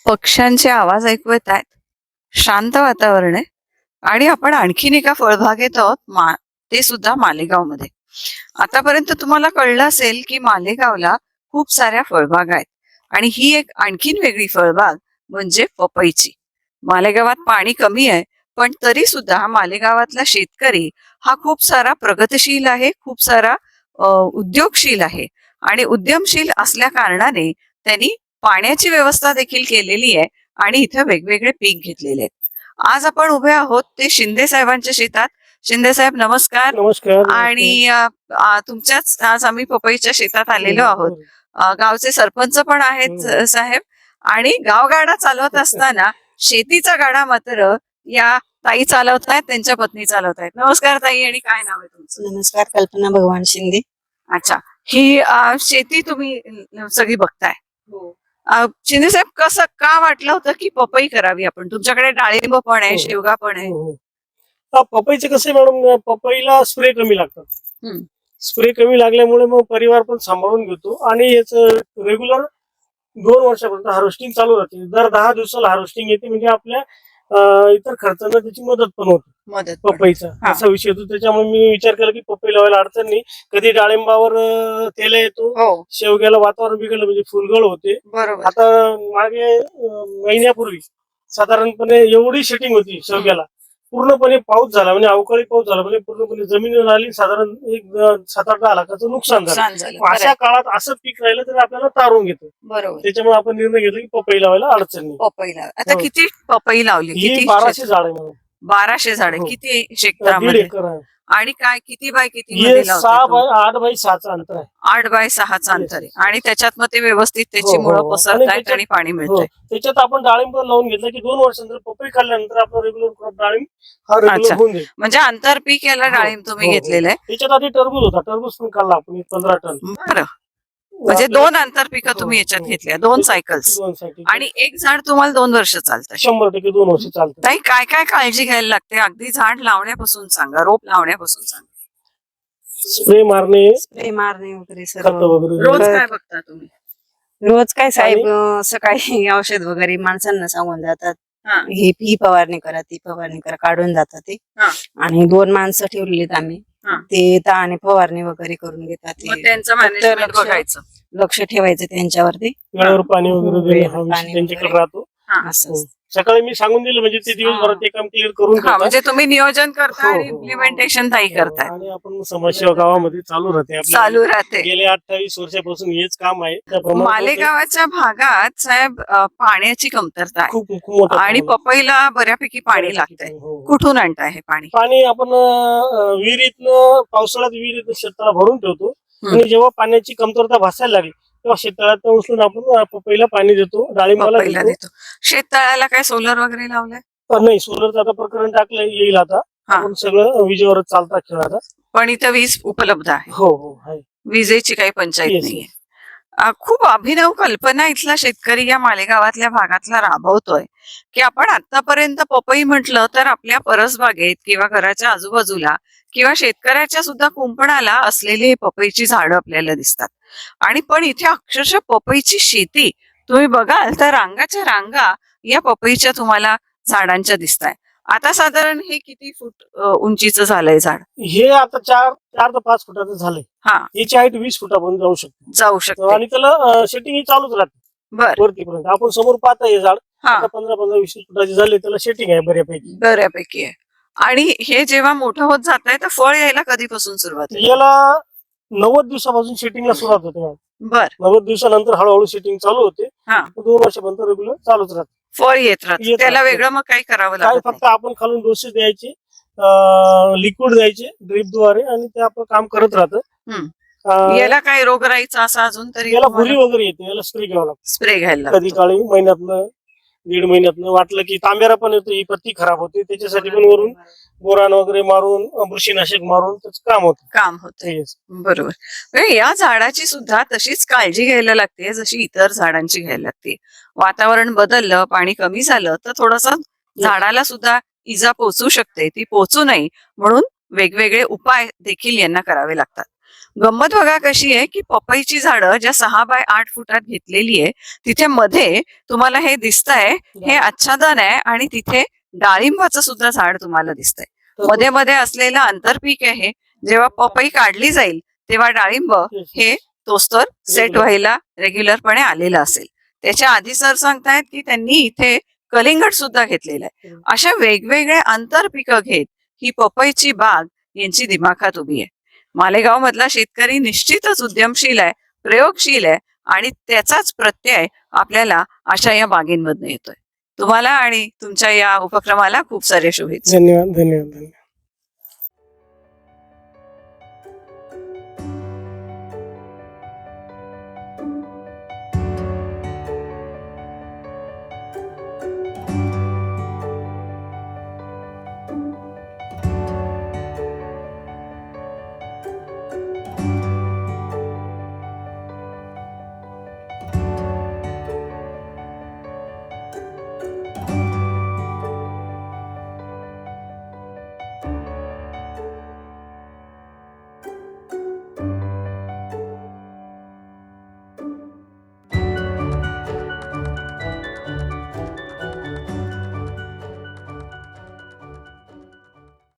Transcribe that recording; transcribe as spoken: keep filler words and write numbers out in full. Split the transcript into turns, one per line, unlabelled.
पक्ष्यांचे आवाज ऐकू येत आहेत. शांत वातावरण आहे आणि आपण आणखीन एका फळबागेत आहोत मा ते सुद्धा मालेगावमध्ये. आतापर्यंत तुम्हाला कळलं असेल की मालेगावला खूप साऱ्या फळबागा आहेत आणि ही एक आणखीन वेगळी फळबाग म्हणजे पपईची. मालेगावात पाणी कमी आहे, पण तरी सुद्धा हा मालेगावातला शेतकरी हा खूप सारा प्रगतिशील आहे, खूप सारा अ, उद्योगशील आहे आणि उद्यमशील असल्या कारणाने त्यांनी पाण्याची व्यवस्था देखील केलेली आहे आणि इथे वेगवेगळे पीक घेतलेले आहेत. आज आपण उभे आहोत ते शिंदे साहेबांच्या शेतात. शिंदे साहेब नमस्कार.
नमस्कार.
आणि अ, अ, तुमच्याच आज आम्ही पपईच्या शेतात आलेलो आहोत. अ, गावचे सरपंच पण आहेत अ, साहेब. आणि गावगाडा चालवत असताना शेतीचा गाडा मात्र या ताई चालवत आहेत, त्यांच्या पत्नी चालवत आहेत. नमस्कार ताई, आणि काय नाव आहे तुमचं?
नमस्कार, कल्पना भगवान शिंदे.
अच्छा, ही अ, शेती तुम्ही अ, सगळी बघताय. अ, शिंदे साहेब, कसं का वाटलं होतं की पपई करावी आपण? तुमच्याकडे डाळिंब पण आहे,
हो.
शेवगा पण आहे.
हो, हो. हा, पपईचे कसे मॅडम, पपईला स्प्रे कमी लागतात.
हम्म.
स्प्रे कमी लागल्यामुळे मग परिवार पण सांभाळून घेतो आणि याचं रेग्युलर दोन वर्षापर्यंत हार्वेस्टिंग चालू राहते. दर दहा दिवसाला हार्वेस्टिंग येते, म्हणजे आपल्या अं, इतर खर्चांना त्याची मदत पण होते.
मदत पण.
पपईचा
हा.
असा विषय होतो. त्याच्यामुळे मी विचार केला की पपई लावायला अडचण नाही. कधी डाळिंबावर अं, तेल येतो,
हो,
शेवग्याला वातावरण बिघडलं म्हणजे फुलगळ होते.
बरोबर.
आता मागे अं, महिन्यापूर्वी साधारणपणे एवढी सेटिंग होती शेवग्याला, पूर्णपणे पाऊस झाला, म्हणजे अवकाळी पाऊस झाला, म्हणजे पूर्णपणे जमिनीवर आली. साधारण एक अं, सात आठ दहा लाखाचं नुकसान झालं.
नुकसान झालं.
अशा काळात असं पीक राहिलं तर आपल्याला तारून घेतो.
बरोबर.
त्याच्यामुळे आपण निर्णय घेतला की पपई लावायला अडचण नाही.
पपईला आता
हो.
किती पपई लावली?
ही
किती
बाराशे
क्षेत्र?
झाड आहे मॅडम.
बाराशे झाडे.
हो.
किती
दीड
क्षेत्रामध्ये?
एकर आहे.
आणि काय किती बाय किती
हे
मध्ये
सहा
लावताय
बाय
तुम्ही?
आठ बाय सहाचं अंतर आहे.
आठ बाय सहाचं
Yes,
अंतर आहे
yes,
आणि
yes.
त्याच्यात मग ते व्यवस्थित त्याची
हो, हो,
मुळं
हो. आणि
पसरतायत
त्याच्यात-
आणि पाणी
हो,
मिळतंय.
त्याच्यात आपण डाळिंब लावून घेतलं की दोन वर्षानंतर पपई खाल्ल्यानंतर आपला रेग्युलर क्रॉप डाळिंब हा
अच्छा.
रेग्युलर होऊन जाईल.
म्हणजे आंतरपीक याला
हो,
डाळिंब तुम्ही
हो, हो.
घेतलेलं आहे.
त्याच्यात आधी टरबूज होता, टरबूज पण खाल्ला आपण एक पंधरा टन.
बरं, म्हणजे
आपल्याला-
दोन आंतरपिकं
हो,
तुम्ही याच्यात
हो.
घेतल्या, दोन
त्याच्यात
सायकल्स.
दोन सायकल
आणि एक झाड तुम्हाला दोन वर्ष चालतंय.
शंभर टक्के दोन वर्ष चालतं.
ताई, काय काय काळजी घ्यायला लागते? अगदी झाड लावण्यापासून सांगा, रोप लावण्यापासून सांगा.
स्प्रे मारणे,
स्प्रे मारणे वगैरे सर्व.
खत वगैरे
रोज
बरं.
काय बघता तुम्ही?
रोज काय साहेब,
आणि-
अं, सकाळी औषध वगैरे माणसांना सांगून जातात.
हा.
ही ही फवारणी करा, ती फवारणी करा, काढून जातात ते.
हा.
आणि दोन माणसं ठेवलेत आम्ही.
हा.
ते येतात आणि फवारणी वगैरे करून घेतात.
मग
ते
त्यांचं मॅनेजमेंट
लक्ष-
बघायचं.
लक्ष ठेवायचं त्यांच्यावरती.
वेळेवर पाणी वगैरे देणं
वेळेवर
हा विषय
पाणी
त्यांच्याकडे
वगैरे.
राहतो.
हा.
असं
हो.
असतं.
सकाळी मी सांगून दिलं म्हणजे ते दिवसभरात ते काम क्लिअर करून
हा,
ठेवतात.
म्हणजे तुम्ही नियोजन करता
हो,
आणि
हो.
इम्प्लिमेंटेशन ताई करताय.
आणि आपण समाजसेवा गावामध्ये चालू राहते आपल्या.
चालू राहते.
गेल्या अठ्ठावीस वर्षापासून हेच काम आहे. त्याप्रमाणे
मालेगावाच्या भागात साहेब अ, पाण्याची कमतरता आहे
खूप खूप मोठं
आणि
प्रमाण आहे.
पपईला बऱ्यापैकी पाणी
बऱ्यापैकी
लागतंय.
हो, हो.
कुठून आणताय हे पाणी?
पाणी आपण अं, विहिरीतनं पावसाळ्यात विहिरीत शेताला भरून ठेवतो
हम्म.
आणि जेव्हा पाण्याची कमतरता भासायला लागली तेव्हा शेततळ्यात उचलून आपण पपईला पाणी देतो, डाळिंबाला
पपईला
देतो.
देतो. शेततळ्याला काय सोलर वगैरे लावलंय?
पण नाही, सोलरचं आता प्रकरण टाकलं येईल. आता
हा.
आपण सगळं विजेवरच चालता खेळायला.
पण इथं वीज उपलब्ध आहे,
हो हो आहे.
विजेची काही पंचायत
Yes,
नाहीये. अ, खूप अभिनव कल्पना इथला शेतकरी या मालेगावातल्या भागातला राबवतोय की आपण आतापर्यंत पपई म्हटलं तर आपल्या परसबागेत किंवा घराच्या आजूबाजूला किंवा शेतकऱ्याच्या सुद्धा कुंपणाला असलेली हे पपईची झाडं आपल्याला दिसतात. आणि पण इथे अक्षरशः पपईची शेती तुम्ही बघाल तर रांगाच्या रांगा या पपईच्या तुम्हाला झाडांच्या दिसताय. आता साधारण हे किती फूट अ, उंचीचं झालंय झाड?
हे आता चार चार ते पाच फुटाचं झालंय.
हा,
याची हाईट वीस फुटापर्यंत जाऊ शकते
जाऊ शकते.
आणि त्याला शेटिंग ही चालूच राहते
बर.
वरतीपर्यंत. आपण समोर पाहता हे झाड
हा,
आता पंधरा पंधरा वीस फुटाचे झाले, त्याला शेटिंग आहे बऱ्यापैकी.
बऱ्यापैकी आहे. आणि हे जेव्हा मोठं होत जात आहे तर फळ यायला कधीपासून सुरुवात आहे?
याला नव्वद दिवसापासून शेटिंगला सुरुवात होते.
बर.
नव्वद दिवसानंतर हळूहळू शेटिंग चालू होते.
हा.
दोन वर्षापर्यंत रेग्युलर चालूच राहते.
फळ येत राहत,
येत
त्याला
राहतं.
वेगळं मग काही करावं
काय
लागत
फक्त आपण खालून डोसेस द्यायचे, लिक्विड द्यायचे ड्रिपद्वारे, आणि ते आपलं काम करत राहतं.
हम्म.
अं,
याला काही रोगराईचा असा अजून तरी
याला भुरी वगैरे येते, याला स्प्रे घ्यावा लागतो
स्प्रे घ्यायला
कधी
लागतो.
काळी. महिन्यातनं दीड महिन्यातनं वाटलं की तांब्याला पण येतो, ही पत्ती खराब होते, त्याच्यासाठी पण वरून बोरान वगैरे मारून बुरशीनाशक मारून त्याचं काम होतं.
काम होतं.
Yes.
बरोबर. म्हणजे या झाडाची सुद्धा तशीच काळजी घ्यायला लागते जशी इतर झाडांची घ्यायला लागते. वातावरण बदललं, पाणी कमी झालं तर थोडंसं झाडाला सुद्धा इजा पोचू शकते, ती पोचू नये म्हणून वेगवेगळे उपाय देखील यांना करावे लागतात. गंमत बघा कशी आहे की पपईची झाडं ज्या सहा बाय आठ फुटात घेतलेली आहे तिथे मध्ये तुम्हाला हे दिसतंय हे आच्छादन आहे आणि तिथे डाळिंबाचं सुद्धा झाड तुम्हाला दिसतंय मध्ये मध्ये असलेलं आंतरपीक आहे जेव्हा पपई काढली जाईल तेव्हा डाळिंब हे तोस्तर सेट व्हायला रेग्युलरपणे आलेलं असेल. त्याच्या आधी सर सांगतायत की त्यांनी इथे कलिंगड सुद्धा घेतलेलं आहे. अशा वेगवेगळ्या आंतरपिकं घेत ही पपईची बाग यांची दिमाखात उभी आहे. मालेगाव मधला शेतकरी निश्चितच उद्यमशील आहे, प्रयोगशील आहे आणि त्याचाच प्रत्यय आपल्याला अशा या बागेंमधनं येतोय. तुम्हाला आणि तुमच्या या उपक्रमाला खूप साऱ्या शुभेच्छा.
धन्यवाद धन्यवाद धन्यवाद